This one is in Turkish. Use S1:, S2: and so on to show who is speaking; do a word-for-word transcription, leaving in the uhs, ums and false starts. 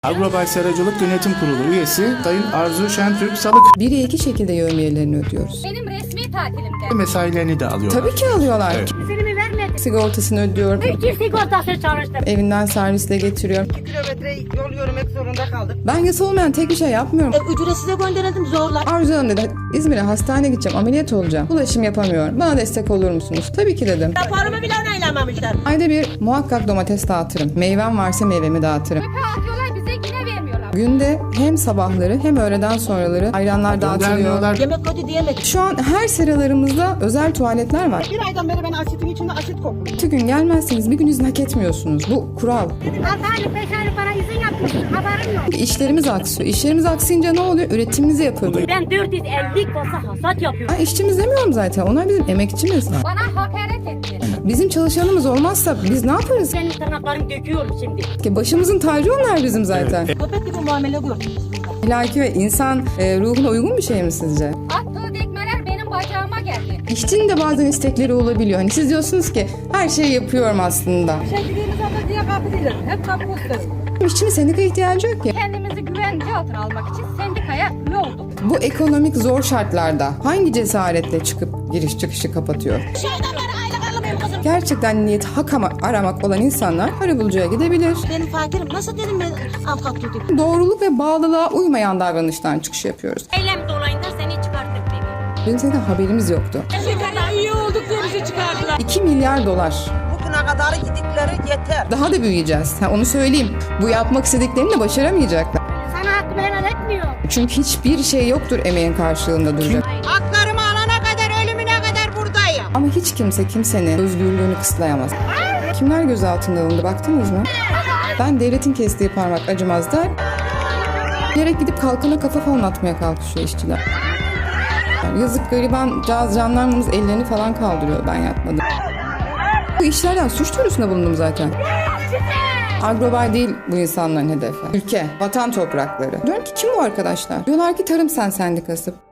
S1: Agrobay Seracılık Yönetim Kurulu üyesi Sayın Arzu Şentürk Salık
S2: bire iki şekilde yevmiyelerini ödüyoruz.
S3: Benim resmi tatilimde.
S1: mesailerini de alıyorlar.
S2: Tabii ki alıyorlar.
S1: Evet.
S3: Üzerimi vermedi.
S2: Sigortasını ödüyorum.
S3: İki sigortası çalıştım.
S2: Evinden servisle getiriyorum.
S4: iki kilometre yol yürümek zorunda kaldık.
S2: Ben yasa olmayan tek bir şey yapmıyorum.
S4: E, ücretsize gönderelim zorla.
S2: Arzu Hanım dedi, İzmir'e hastaneye gideceğim, ameliyat olacağım. Ulaşım yapamıyorum. Bana destek olur musunuz? Tabii ki dedim.
S4: Raporumu bile onaylanmamışlar.
S2: Ayda bir muhakkak domates dağıtırım. Meyvem varsa meyvemi dağıtırım.
S3: Çöpe atıyorlar, bize yine vermiyorlar.
S2: Günde hem sabahları hem öğleden sonraları ayranlar dağıtılıyor.
S1: Göndermiyorlar.
S4: Yemek kötü diyemedik.
S2: Şu an her seralarımızda özel tuvaletler var.
S4: Bir aydan beri ben asitin içinde asit kokuyorum.
S2: İki gün gelmezseniz bir gün izin hak etmiyorsunuz. Bu kural.
S3: Altı aylık, beş aylık bana izin yapmışsın. Haberim yok.
S2: İşlerimiz aksıyor. İşlerimiz aksayınca ne oluyor? Üretimimizi yapıyoruz.
S3: Ben dört yüz elli kasa hasat yapıyorum.
S2: Ben işçimiz demiyorum zaten. Onlar bizim emekçimiz.
S3: Bana hakaret etti.
S2: Bizim çalışanımız olmazsa biz ne yaparız?
S3: Senin tırnaklarını döküyorum şimdi.
S2: Ki başımızın tacı onlar bizim zaten.
S4: Köpek gibi muamele gördük biz burada.
S2: Ahlaki ve insan e, ruhuna uygun bir şey mi sizce?
S3: Attığı dekmeler benim bacağıma geldi.
S2: İşçinin de bazen istekleri olabiliyor. Hani siz diyorsunuz ki her şeyi yapıyorum aslında.
S4: Sevgiliğimiz orada diye kapı değil. Hep kapı gösterir.
S2: İşçinin sendika ihtiyacı yok ki.
S3: Kendimizi güvence altına almak için sendikaya üye olduk.
S2: Bu ekonomik zor şartlarda hangi cesaretle çıkıp giriş çıkışı kapatıyor?
S4: Şeyden beri aylık alamıyorum kızım.
S2: Gerçekten niyet hak ama- aramak olan insanlar arabulucuya gidebilir.
S4: Benim fakirim. Nasıl dedim ben avukat tutayım?
S2: Doğruluk ve bağlılığa uymayan davranıştan çıkış yapıyoruz.
S3: Eylem dolayında seni çıkarttık beni.
S2: Bizim zaten haberimiz yoktu.
S4: Şekerle üye olduk diye bizi çıkardılar.
S2: iki milyar dolar.
S4: Bugüne kadar gidikleri yeter.
S2: Daha da büyüyeceğiz. Ha, onu söyleyeyim. Bu yapmak istediklerini de başaramayacaklar.
S3: Sana hakkımı helal etmiyor.
S2: Çünkü hiçbir şey yoktur emeğin karşılığında duracak.
S4: Haklarımı alana kadar ölümüne kadar buradayım.
S2: Ama hiç kimse kimsenin özgürlüğünü kısıtlayamaz. Kimler gözaltına alındı baktınız mı? Ben devletin kestiği parmak acımaz der. Gerek gidip kalkana kafa falan atmaya kalkışıyor işçiler. Yani yazık gariban caz jandarmamız ellerini falan kaldırıyor ben yapmadım. Bu işlerden suç duyurusunda bulundum zaten. Agrobay değil bu insanların hedefi. Ülke, vatan toprakları. Diyorum ki kim bu arkadaşlar? Diyorlar ki Tarım Sen Sendikası.